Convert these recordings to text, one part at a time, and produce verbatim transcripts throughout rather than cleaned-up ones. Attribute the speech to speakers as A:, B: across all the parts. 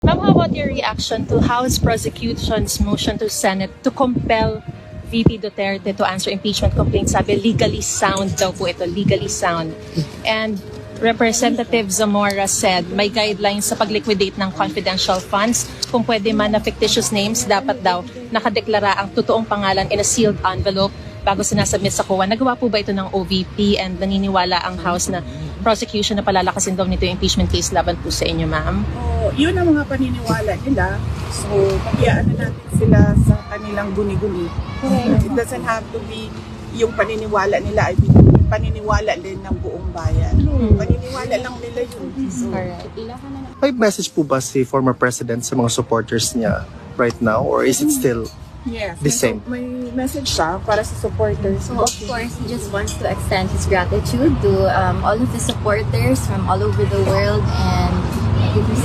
A: Ma'am, how about your reaction to House prosecution's motion to Senate to compel V P Duterte to answer impeachment complaints? Sabi, legally sound daw po ito, legally sound. And Representative Zamora said may guidelines sa pag-liquidate ng confidential funds. Kung pwede man na fictitious names, dapat daw nakadeklara ang totoong pangalan in a sealed envelope bago sinasubmit sa C O A. Nagawa po ba ito ng O V P and naniniwala ang House na prosecution na palalakasin daw nito yung impeachment case laban po sa inyo, ma'am?
B: Oh, yun ang mga paniniwala nila. So, pagyaan na natin sila sa kanilang guni-guni. It doesn't have to be yung paniniwala nila ay paniniwala din ng buong bayan. Hmm. Paniniwala lang nila yun. So,
C: may message po ba si former president sa mga supporters niya right now, or is it still
B: yes,
C: the same?
B: May message siya para sa supporters.
D: So, of course, he just wants to extend his gratitude to um, all of his supporters from all over the world, and give us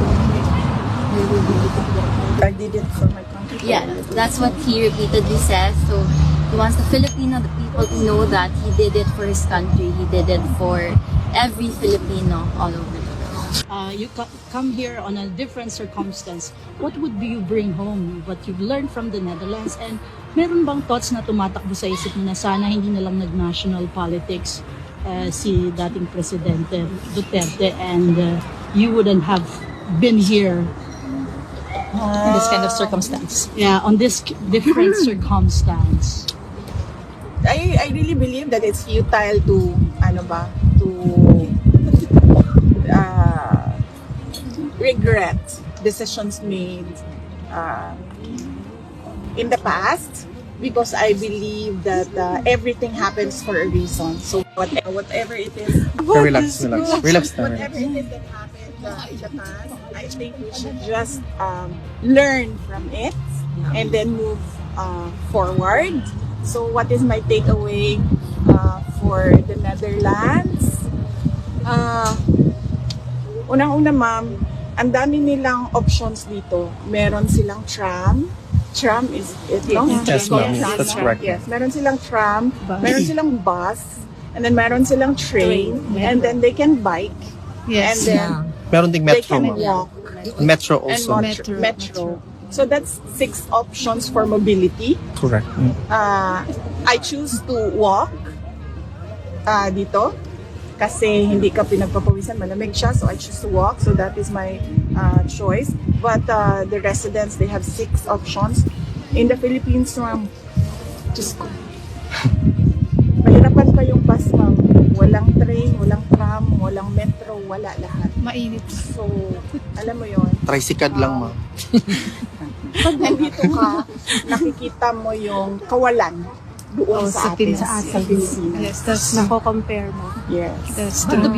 B: I did it for my country.
D: yeah, that's what he repeatedly says. So he wants the Filipino, the people to know that he did it for his country. He did it for every Filipino all over the world.
E: Uh, you co- come here on a different circumstance. What would you bring home? What you've learned from the Netherlands? And meron bang thoughts na tumatakbo sa isip mo na sana hindi na lang nag-national politics uh, si dating Presidente Duterte and uh, you wouldn't have been here
A: In this kind of circumstance.
E: yeah, on this k- different circumstance?
B: I, I really believe that it's futile to, ano ba, to uh, regret decisions made uh, in the past, because I believe that uh, everything happens for a reason. So whatever, whatever it is,
C: Relax, relax. Relax na.
B: whatever it is that happened uh, in the past, I think we should just um, learn from it and then move uh, forward. So what is my takeaway uh, for the Netherlands? Uh, unang-una, ma'am, ang dami nilang options dito. Meron silang tram. Tram is it, no?
C: Yes, ma'am. That's correct.
B: Yes, meron silang tram, meron silang bus, and then meron silang train, and then they can bike, and then
C: Meron ding
B: they
C: metro,
B: can
C: ma'am.
B: walk,
C: Metro
B: and
C: also.
B: metro. metro. So that's six options for mobility.
C: Correct. Mm.
B: Uh, I choose to walk uh, dito kasi hindi ka pinagpapawisan, malamig siya, so I choose to walk. So that is my uh, choice. But uh, the residents, they have six options. In the Philippines, ma'am, just go. Mahirapan pa yung bus, ma'am. Walang train, walang tram, walang metro, wala lahat.
A: Mainit.
B: So, alam mo yon.
C: Tricycad lang, ma'am.
B: Pag nandito ka, nakikita mo yung kawalan doon sa atin, sa Pilipinas.
A: Yes, tapos nako-compare mo.
B: Yes.
A: That's true.